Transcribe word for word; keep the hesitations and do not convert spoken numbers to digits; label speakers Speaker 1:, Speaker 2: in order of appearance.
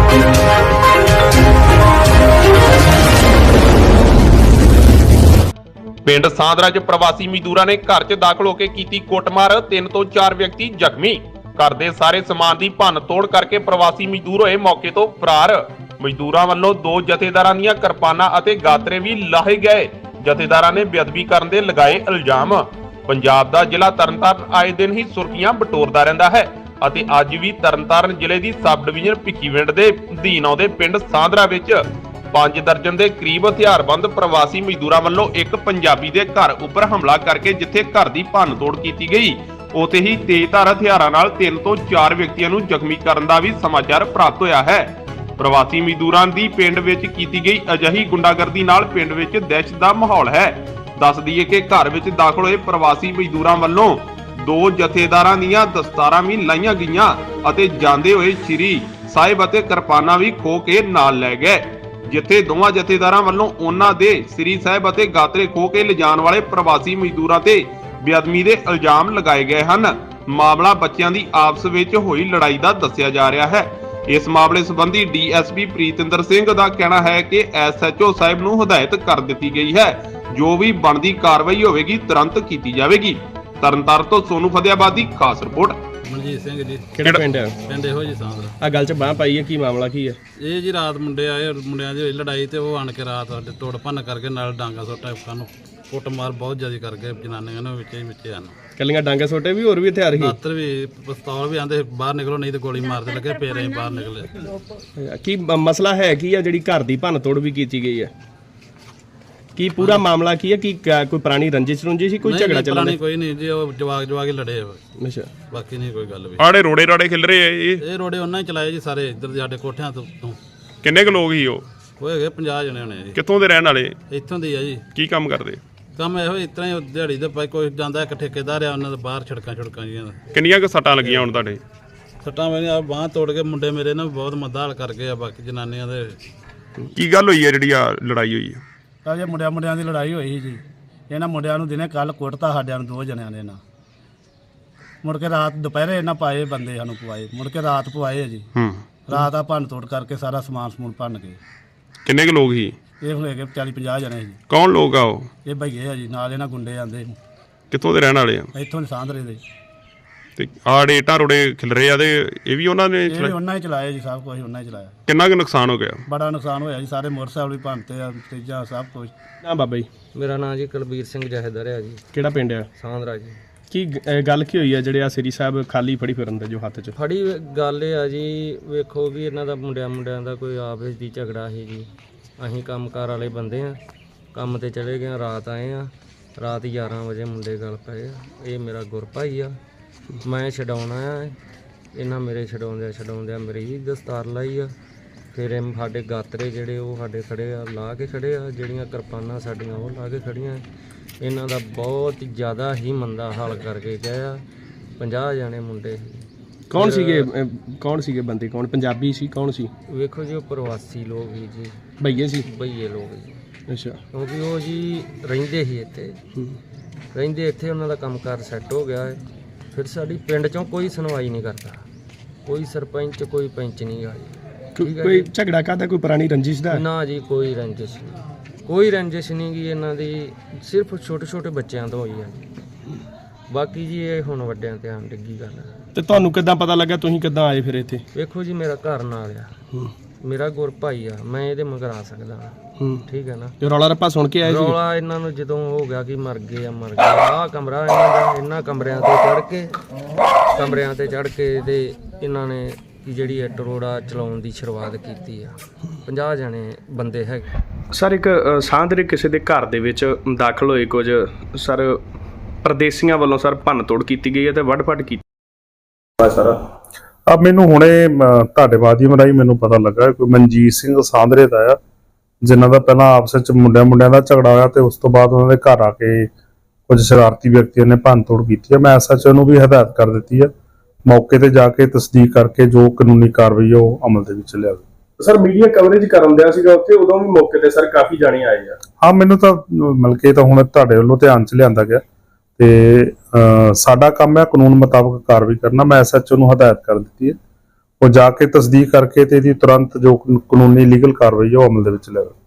Speaker 1: ਪਿੰਡ ਸਾਂਦਰਾ 'ਚ ਪ੍ਰਵਾਸੀ ਮਜ਼ਦੂਰਾਂ ਨੇ ਘਰ 'ਚ ਦਾਖਲ ਹੋ ਕੇ ਕੀਤੀ ਕੁੱਟਮਾਰ। ਤਿੰਨ ਤੋਂ ਚਾਰ ਵਿਅਕਤੀ ਜ਼ਖਮੀ। ਘਰ ਦੇ ਸਾਰੇ ਸਮਾਨ ਦੀ ਭੰਨ ਤੋੜ ਕਰਕੇ ਪ੍ਰਵਾਸੀ ਮਜ਼ਦੂਰ ਹੋਏ ਮੌਕੇ ਤੋਂ ਫਰਾਰ। ਮਜ਼ਦੂਰਾਂ ਵੱਲੋਂ ਦੋ ਜਥੇਦਾਰਾਂ ਦੀਆਂ ਕਿਰਪਾਨਾਂ ਅਤੇ ਗਾਤਰੇ ਵੀ ਲਾਹੇ ਗਏ। ਜਥੇਦਾਰਾਂ ਨੇ ਬੇਅਦਬੀ ਕਰਨ ਦੇ ਲਗਾਏ ਇਲਜ਼ਾਮ। ਪੰਜਾਬ ਦਾ ਜ਼ਿਲ੍ਹਾ ਤਰਨਤਾਰਨ ਆਏ ਦਿਨ ਹੀ ਸੁਰਖੀਆਂ ਬਟੋਰਦਾ ਰਹਿੰਦਾ ਹੈ ਅਤੇ ਅੱਜ ਵੀ ਤਰਨਤਾਰਨ ਜ਼ਿਲ੍ਹੇ ਦੀ ਸਬ ਡਿਵੀਜ਼ਨ ਭਿੱਖੀਵਿੰਡ ਦੇ ਅਧੀਨ ਆਉਂਦੇ ਪਿੰਡ ਸਾਂਦਰਾ ਵਿੱਚ ਪੰਜ ਦਰਜਨ ਦੇ ਕਰੀਬ ਹਥਿਆਰਬੰਦ ਪ੍ਰਵਾਸੀ ਮਜ਼ਦੂਰਾਂ ਵੱਲੋਂ ਇੱਕ ਪੰਜਾਬੀ ਦੇ ਘਰ ਉੱਪਰ ਹਮਲਾ ਕਰਕੇ ਜਿੱਥੇ ਘਰ ਦੀ ਭੰਨ ਤੋੜ ਕੀਤੀ ਗਈ, ਉੱਥੇ ਹੀ ਤੇਜ਼ਧਾਰ ਹਥਿਆਰਾਂ ਨਾਲ ਤਿੰਨ ਤੋਂ ਚਾਰ ਵਿਅਕਤੀਆਂ ਨੂੰ ਜ਼ਖਮੀ ਕਰਨ ਦਾ ਵੀ ਸਮਾਚਾਰ ਪ੍ਰਾਪਤ ਹੋਇਆ ਹੈ। ਪ੍ਰਵਾਸੀ ਮਜ਼ਦੂਰਾਂ ਦੀ ਪਿੰਡ ਵਿੱਚ ਕੀਤੀ ਗਈ ਅਜਿਹੀ ਗੁੰਡਾਗਰਦੀ ਨਾਲ ਪਿੰਡ ਵਿੱਚ ਦਹਿਸ਼ਤ ਦਾ ਮਾਹੌਲ ਹੈ। ਦੱਸ ਦਈਏ ਕਿ ਘਰ ਵਿੱਚ ਦਾਖਲ ਹੋਏ ਪ੍ਰਵਾਸੀ ਮਜ਼ਦੂਰਾਂ ਵੱਲੋਂ ਦੋ ਜਥੇਦਾਰਾਂ ਦੀਆਂ ਦਸਤਾਰਾਂ ਵੀ ਲਾਈਆਂ ਗਈਆਂ ਅਤੇ ਜਾਂਦੇ ਹੋਏ ਸ਼੍ਰੀ ਸਾਹਿਬ ਅਤੇ ਕਿਰਪਾਨਾਂ ਵੀ ਖੋਹ ਕੇ ਨਾਲ ਲੈ ਗਏ, ਜਿੱਥੇ ਦੋਵਾਂ ਜਥੇਦਾਰਾਂ ਵੱਲੋਂ ਉਹਨਾਂ ਦੇ ਸ੍ਰੀ ਸਾਹਿਬ ਅਤੇ ਗਾਤਰੇ ਖੋਹ ਕੇ ਲਿਜਾਣ ਵਾਲੇ ਪ੍ਰਵਾਸੀ ਮਜ਼ਦੂਰਾਂ ਤੇ ਬੇਅਦਬੀ ਦੇ ਇਲਜ਼ਾਮ ਲਗਾਏ ਗਏ ਹਨ। ਮਾਮਲਾ ਬੱਚਿਆਂ ਦੀ ਆਪਸ ਵਿੱਚ ਹੋਈ ਲੜਾਈ ਦਾ ਦੱਸਿਆ ਜਾ ਰਿਹਾ ਹੈ। ਇਸ ਮਾਮਲੇ ਸੰਬੰਧੀ D S P Pritinder Singh ਦਾ ਕਹਿਣਾ ਹੈ ਕਿ ਐਸ ਐਚ ਓ ਸਾਹਿਬ ਨੂੰ ਹਦਾਇਤ ਕਰ ਦਿੱਤੀ ਗਈ ਹੈ, ਜੋ ਵੀ ਬਣਦੀ ਕਾਰਵਾਈ ਹੋਵੇਗੀ ਤੁਰੰਤ ਕੀਤੀ ਜਾਵੇਗੀ। ਤਰਨਤਾਰਨ ਤੋਂ ਸੋਨੂ ਫਤਿਆਬਾਦ ਦੀ ਖਾਸ ਰਿਪੋਰਟ।
Speaker 2: ਮਨਜੀਤ ਸਿੰਘ ਜੀ।
Speaker 3: ਕਿਹੜਾ ਪਿੰਡ ਹੈ?
Speaker 2: ਪਿੰਡ ਇਹੋ ਜੀ ਸਾਂਦਰਾ।
Speaker 3: ਆ ਗੱਲ ਚ ਬਾਹ ਪਾਈ ਹੈ, ਕੀ ਮਾਮਲਾ ਕੀ ਹੈ?
Speaker 2: ਇਹ ਜੀ ਰਾਤ ਮੁੰਡੇ ਆਏ, ਮੁੰਡਿਆਂ ਦੀ ਹੋਈ ਲੜਾਈ ਤੇ ਉਹ ਆਣ ਕੇ ਰਾਤ ਸਾਡੇ ਤੋੜ ਭੰਨ ਕਰਕੇ ਨਾਲ ਡਾਂਗਾ ਸੋਟਾ ਸਾਨੂੰ ਕੁੱਟਮਾਰ ਬਹੁਤ ਜ਼ਿਆਦਾ ਕਰਕੇ ਜਨਾਨੀਆਂ ਨੇ ਵਿੱਚੇ ਵਿੱਚੇ ਹਨ।
Speaker 3: ਕੱਲੀਆਂ ਡਾਂਗੇ ਸੋਟੇ ਵੀ ਹੋਰ ਵੀ ਹਥਿਆਰ ਸੀ?
Speaker 2: ਦਾਤਰ ਵੀ, ਪਿਸਤੌਲ ਵੀ ਆਂਦੇ ਬਾਹਰ ਨਿਕਲੋ ਨਹੀਂ ਤੇ ਗੋਲੀ ਮਾਰਦੇ ਲੱਗੇ, ਫੇਰ ਅਸੀਂ ਬਾਹਰ ਨਿਕਲੇ।
Speaker 3: ਕੀ ਮਸਲਾ ਹੈ ਕੀ ਆ ਜਿਹੜੀ ਘਰ ਦੀ ਭੰਨ ਤੋੜ ਵੀ ਕੀਤੀ ਗਈ ਹੈ? ਕੀ ਪੂਰਾ ਮਾਮਲਾ ਕੀ ਹੈ? ਕੀ ਕੋਈ ਪੁਰਾਣੀ ਰੰਜਿਸ਼ ਰੁੰਜੀ ਸੀ, ਕੋਈ ਝਗੜਾ ਚੱਲਦਾ?
Speaker 2: ਨਹੀਂ, ਕੋਈ ਨਹੀਂ ਜੀ, ਉਹ ਜਵਾਗ ਜਵਾਗ ਹੀ ਲੜੇ।
Speaker 3: ਅੱਛਾ,
Speaker 2: ਬਾਕੀ ਨਹੀਂ ਕੋਈ ਗੱਲ ਵੀ।
Speaker 1: ਆੜੇ ਰੋੜੇ ਰਾੜੇ ਖਿਲ ਰਹੇ ਆ ਇਹ
Speaker 2: ਇਹ ਰੋੜੇ ਉਹਨਾਂ ਹੀ ਚਲਾਏ ਜੀ ਸਾਰੇ ਇੱਧਰ ਦੇ ਸਾਡੇ ਕੋਠਿਆਂ ਤੋਂ।
Speaker 1: ਕਿੰਨੇ ਕੁ ਲੋਕ ਹੀ ਉਹ?
Speaker 2: ਉਹ ਹੈਗੇ ਪੰਜਾਹ ਜਣੇ ਹੋਣੇ ਜੀ।
Speaker 1: ਕਿੱਥੋਂ ਦੇ ਰਹਿਣ ਵਾਲੇ?
Speaker 2: ਇੱਥੋਂ ਦੇ ਆ ਜੀ।
Speaker 1: ਕੀ ਕੰਮ ਕਰਦੇ?
Speaker 2: ਕੰਮ ਇਹੋ ਇਸ ਤਰ੍ਹਾਂ ਹੀ ਦਿਹਾੜੀ ਦੇ ਪਾਈ, ਕੋਈ ਜਾਂਦਾ ਇੱਕ ਠੇਕੇਦਾਰ ਆ ਉਹਨਾਂ ਦੇ ਬਾਹਰ ਛੜਕਾਂ ਛੜਕਾਂ ਜੀਆਂ।
Speaker 1: ਕਿੰਨੀਆਂ ਕੁ ਸੱਟਾਂ ਲੱਗੀਆਂ ਹੁਣ ਤੁਹਾਡੇ?
Speaker 2: ਸੱਟਾਂ ਮੇਰੇ ਆ ਬਾਂਹ ਤੋੜ ਕੇ ਮੁੰਡੇ ਮੇਰੇ ਨੇ ਬਹੁਤ ਮੱਦਾ ਹਾਲ ਕਰ ਗਏ ਆ। ਬਾਕੀ ਜਨਾਨੀਆਂ ਦੇ
Speaker 1: ਕੀ ਗੱਲ ਹੋਈ ਹੈ ਜਿਹੜੀ ਆ ਲੜਾਈ ਹੋਈ ਹੈ?
Speaker 4: ਤਾਂ ਜੇ ਮੁੰਡਿਆਂ ਮੁੰਡਿਆਂ ਦੀ ਲੜਾਈ ਹੋਈ ਸੀ ਜੀ। ਇਹਨਾਂ ਮੁੰਡਿਆਂ ਨੂੰ ਦਿਨੇ ਕੱਲ ਕੁੱਟਤਾ ਸਾਡਿਆਂ ਨੂੰ ਦੋ ਜਣਿਆਂ ਨੇ ਨਾ। ਮੁੜ ਕੇ ਰਾਤ ਦੁਪਹਿਰੇ ਇਹਨਾਂ ਪਾਏ ਬੰਦੇ ਸਾਨੂੰ ਪਵਾਏ, ਮੁੜ ਕੇ ਰਾਤ ਪਵਾਏ ਜੀ।
Speaker 1: ਹੂੰ,
Speaker 4: ਰਾਤ ਆ ਭੰਨ ਤੋੜ ਕਰਕੇ ਸਾਰਾ ਸਮਾਨ ਸਮੂਨ ਭੰਨ ਗਏ।
Speaker 1: ਕਿੰਨੇ ਕੁ ਲੋਕ ਸੀ?
Speaker 4: ਇਹ ਹੋਏ ਗਏ ਚਾਲੀ ਪੰਜਾਹ ਜਣੇ ਜੀ।
Speaker 1: ਕੌਣ ਲੋਕ ਆ ਉਹ?
Speaker 4: ਇਹ ਭਈਏ ਆ ਜੀ, ਨਾਲ ਇਹਨਾਂ ਗੁੰਡੇ ਆਂਦੇ
Speaker 1: ਕਿੱਥੋਂ ਦੇ ਰਹਿਣ ਵਾਲੇ ਆ?
Speaker 4: ਇੱਥੋਂ ਦੇ ਸਾਂਦਰੇ ਦੇ।
Speaker 1: ਤੇ ਆੜੇ ਇੱਟਾਂ ਰੋੜੇ ਖਿਲ ਰਹੇ ਆ ਤੇ ਇਹ ਵੀ ਉਹਨਾਂ ਨੇ
Speaker 4: ਇਹ ਵੀ
Speaker 1: ਚਲਾਏ?
Speaker 4: ਉਹਨਾਂ ਹੀ ਚਲਾਏ ਜੀ, ਸਭ ਕੁਝ ਉਹਨਾਂ ਹੀ ਚਲਾਇਆ।
Speaker 1: ਕਿੰਨਾ ਕੁ ਨੁਕਸਾਨ ਹੋ ਗਿਆ?
Speaker 4: ਬੜਾ ਨੁਕਸਾਨ ਹੋਇਆ ਜੀ, ਸਾਰੇ ਮੋਟਰਸਾਈਕਲ ਵੀ ਭੰਨਤੇ ਆ, ਤੇਜ਼ਾਂ ਸਭ ਕੁਝ।
Speaker 3: ਨਾ ਬਾਬਾ ਜੀ,
Speaker 5: ਮੇਰਾ ਨਾਮ ਜੀ ਕੁਲਬੀਰ ਸਿੰਘ ਜਹੇਦਾਰ ਹੈ ਜੀ।
Speaker 3: ਕਿਹੜਾ ਪਿੰਡ ਹੈ?
Speaker 5: ਸਾਂਦਰਾ ਜੀ।
Speaker 3: ਕੀ ਗ- ਗੱਲ ਕੀ ਹੋਈ ਹੈ ਜਿਹੜੇ ਆ ਸ੍ਰੀ ਸਾਹਿਬ ਖਾਲੀ ਫੜੀ ਫਿਰਨ ਦੇ ਜੋ ਹੱਥ 'ਚ?
Speaker 5: ਫੜੀ ਗੱਲ ਇਹ ਆ ਜੀ, ਵੇਖੋ ਵੀ ਇਹਨਾਂ ਦਾ ਮੁੰਡਿਆਂ ਮੁੰਡਿਆਂ ਦਾ ਕੋਈ ਆਪਸ ਦੀ ਝਗੜਾ ਸੀ ਜੀ। ਅਸੀਂ ਕੰਮਕਾਰ ਵਾਲੇ ਬੰਦੇ ਆ, ਕੰਮ ਤੇ ਚਲੇ ਗਏ, ਰਾਤ ਆਏ ਆ। ਰਾਤ ਗਿਆਰਾਂ ਵਜੇ ਮੁੰਡੇ ਗੱਲ ਪਏ ਆ। ਇਹ ਮੇਰਾ ਗੁਰਭਾਈ ਆ, ਮੈਂ ਛਡਾਉਣਾ ਆ। ਇਹਨਾਂ ਮੇਰੇ ਛਡਾਉਂਦਿਆਂ ਛਡਾਉਂਦਿਆਂ ਮੇਰੀ ਦਸਤਾਰ ਲਾਈ ਆ। ਫਿਰ ਇਹ ਸਾਡੇ ਗਾਤਰੇ ਜਿਹੜੇ ਉਹ ਸਾਡੇ ਖੜੇ ਆ, ਲਾ ਕੇ ਖੜੇ ਆ। ਜਿਹੜੀਆਂ ਕਿਰਪਾਨਾਂ ਸਾਡੀਆਂ ਉਹ ਲਾ ਕੇ ਖੜੀਆਂ। ਇਹਨਾਂ ਦਾ ਬਹੁਤ ਜ਼ਿਆਦਾ ਹੀ ਮੰਦਾ ਹਾਲ ਕਰਕੇ ਗਏ ਆ। ਪੰਜਾਹ ਜਾਣੇ ਮੁੰਡੇ ਸੀ।
Speaker 3: ਕੌਣ ਸੀਗੇ? ਅਹ, ਕੌਣ ਸੀਗੇ ਬੰਦੇ? ਕੌਣ ਪੰਜਾਬੀ ਸੀ? ਕੌਣ ਸੀ?
Speaker 5: ਵੇਖੋ ਜੀ, ਉਹ ਪ੍ਰਵਾਸੀ ਲੋਕ ਹੀ ਜੀ,
Speaker 3: ਭਈਏ ਸੀ?
Speaker 5: ਬਈਏ ਲੋਕ ਜੀ।
Speaker 3: ਅੱਛਾ।
Speaker 5: ਕਿਉਂਕਿ ਉਹ ਜੀ ਰਹਿੰਦੇ ਸੀ ਇੱਥੇ, ਰਹਿੰਦੇ ਇੱਥੇ ਉਹਨਾਂ ਦਾ ਕੰਮਕਾਰ ਸੈੱਟ ਹੋ ਗਿਆ ਹੈ। ਫਿਰ ਸਾਡੀ ਪਿੰਡ 'ਚੋਂ ਕੋਈ ਸੁਣਵਾਈ ਨਹੀਂ ਕਰਦਾ, ਕੋਈ ਸਰਪੰਚ ਕੋਈ ਪੰਚ ਨਹੀਂ ਆ ਜੀ।
Speaker 3: ਕੋਈ ਝਗੜਾ ਕਾਹਦਾ? ਕੋਈ ਪੁਰਾਣੀ ਰੰਜਿਸ਼ ਦਾ?
Speaker 5: ਨਾ ਜੀ, ਕੋਈ ਰੰਜਿਸ਼ ਨਹੀਂ, ਕੋਈ ਰੰਜਿਸ਼ ਨਹੀਂ ਗੀ ਇਹਨਾਂ ਦੀ। ਸਿਰਫ ਛੋਟੇ ਛੋਟੇ ਬੱਚਿਆਂ ਤੋਂ ਹੋਈ ਆ ਜੀ। ਬਾਕੀ ਜੀ ਇਹ ਹੁਣ ਵੱਡਿਆਂ ਤੇ ਆਣ ਡਿੱਗੀ ਗੱਲ ਹੈ।
Speaker 3: ਤੇ ਤੁਹਾਨੂੰ ਕਿੱਦਾਂ ਪਤਾ ਲੱਗਾ? ਤੁਸੀਂ ਕਿੱਦਾਂ ਆਏ ਫਿਰ ਇੱਥੇ?
Speaker 5: ਵੇਖੋ ਜੀ, ਮੇਰਾ ਘਰ ਨਾਲ ਆ, ਮੇਰਾ ਗੁਰ ਭਾਈ ਆ, ਮੈਂ ਇਹਦੇ ਮਗਰ ਆ ਸਕਦਾ ਹਾਂ, ਠੀਕ ਹੈ ਨਾ।
Speaker 3: ਤੇ ਰੌਲਾ ਰੱਪਾ ਸੁਣ ਕੇ ਆਏ ਸੀ?
Speaker 5: ਰੌਲਾ ਇਹਨਾਂ ਨੂੰ ਜਦੋਂ ਹੋ ਗਿਆ ਕਿ ਮਰ ਗਏ ਆ ਮਰ ਗਏ, ਆਹ ਕਮਰਾ ਇਹਨਾਂ ਦਾ, ਇਹਨਾਂ ਕਮਰਿਆਂ ਤੇ ਚੜ ਕੇ ਕਮਰਿਆਂ ਤੇ ਚੜ ਕੇ ਤੇ ਇਹਨਾਂ ਨੇ ਜਿਹੜੀ ਇੱਟ ਰੋੜਾ ਚਲਾਉਣ ਦੀ ਸ਼ੁਰੂਆਤ ਕੀਤੀ ਆ। ਪੰਜਾਹ ਜਣੇ ਬੰਦੇ ਹੈਗੇ।
Speaker 3: ਸਰ, ਇੱਕ ਸਾਂਦਰੇ ਕਿਸੇ ਦੇ ਘਰ ਦੇ ਵਿੱਚ ਦਾਖਲ ਹੋਏ ਕੁਝ ਸਰ ਪਰਦੇਸੀਆਂ ਵੱਲੋਂ ਸਰ ਭੰਨ ਤੋੜ ਕੀਤੀ ਗਈ ਹੈ ਤੇ ਵੱਢ ਫੱਟ ਕੀਤੀ ਸਰ।
Speaker 6: ਆ ਮੈਨੂੰ ਹੁਣੇ ਤੁਹਾਡੇ ਮਾਧਿਅਮ ਰਾਹੀਂ ਮੈਨੂੰ ਪਤਾ ਲੱਗਾ ਕੋਈ ਮਨਜੀਤ ਸਿੰਘ ਸਾਂਦਰੇ ਦਾ ਆ, ਜਿਨ੍ਹਾਂ ਦਾ ਪਹਿਲਾਂ ਆਪਸ ਵਿੱਚ ਮੁੰਡਿਆਂ ਮੁੰਡਿਆਂ ਦਾ ਝਗੜਾ ਹੋਇਆ ਤੇ ਉਸ ਤੋਂ ਬਾਅਦ ਉਹਨਾਂ ਦੇ ਘਰ ਆ ਕੇ ਕੁਝ ਸ਼ਰਾਰਤੀ ਵਿਅਕਤੀਆਂ ਨੇ ਭੰਨ ਤੋੜ ਕੀਤੀ ਹੈ। ਮੈਂ ਐਸ ਐਚ ਓ ਨੂੰ ਵੀ ਹਦਾਇਤ ਕਰ ਦਿੱਤੀ ਹੈ, ਮੌਕੇ ਤੇ ਜਾ ਕੇ ਤਸਦੀਕ ਕਰਕੇ ਜੋ ਕਾਨੂੰਨੀ ਕਾਰਵਾਈ ਉਹ ਅਮਲ ਦੇ ਵਿੱਚ ਲਿਆਵੇ।
Speaker 3: ਸਰ, ਮੀਡੀਆ ਕਵਰੇਜ ਕਰਨ ਦਿਆ ਸੀਗਾ ਉੱਥੇ, ਉਦੋਂ ਵੀ ਮੌਕੇ ਤੇ ਸਰ ਕਾਫੀ ਜਾਣੇ ਆਏ ਆ।
Speaker 6: ਹਾਂ, ਮੈਨੂੰ ਤਾਂ ਮਿਲ ਕੇ ਤਾਂ ਹੁਣ ਤੁਹਾਡੇ ਵੱਲੋਂ ਧਿਆਨ 'ਚ ਲਿਆਂਦਾ ਗਿਆ ਤੇ ਸਾਡਾ ਕੰਮ ਹੈ ਕਾਨੂੰਨ ਮੁਤਾਬਕ ਕਾਰਵਾਈ ਕਰਨਾ। ਮੈਂ ਐਸ ਐਚ ਓ ਨੂੰ ਹਦਾਇਤ ਕਰ ਦਿੱਤੀ ਹੈ, ਉਹ ਜਾ ਕੇ ਤਸਦੀਕ ਕਰਕੇ ਤੇ ਇਹਦੀ ਤੁਰੰਤ ਜੋ ਕਾਨੂੰਨੀ ਲੀਗਲ ਕਾਰਵਾਈ ਹੈ ਉਹ ਅਮਲ ਦੇ ਵਿੱਚ ਲਿਆਵੇ।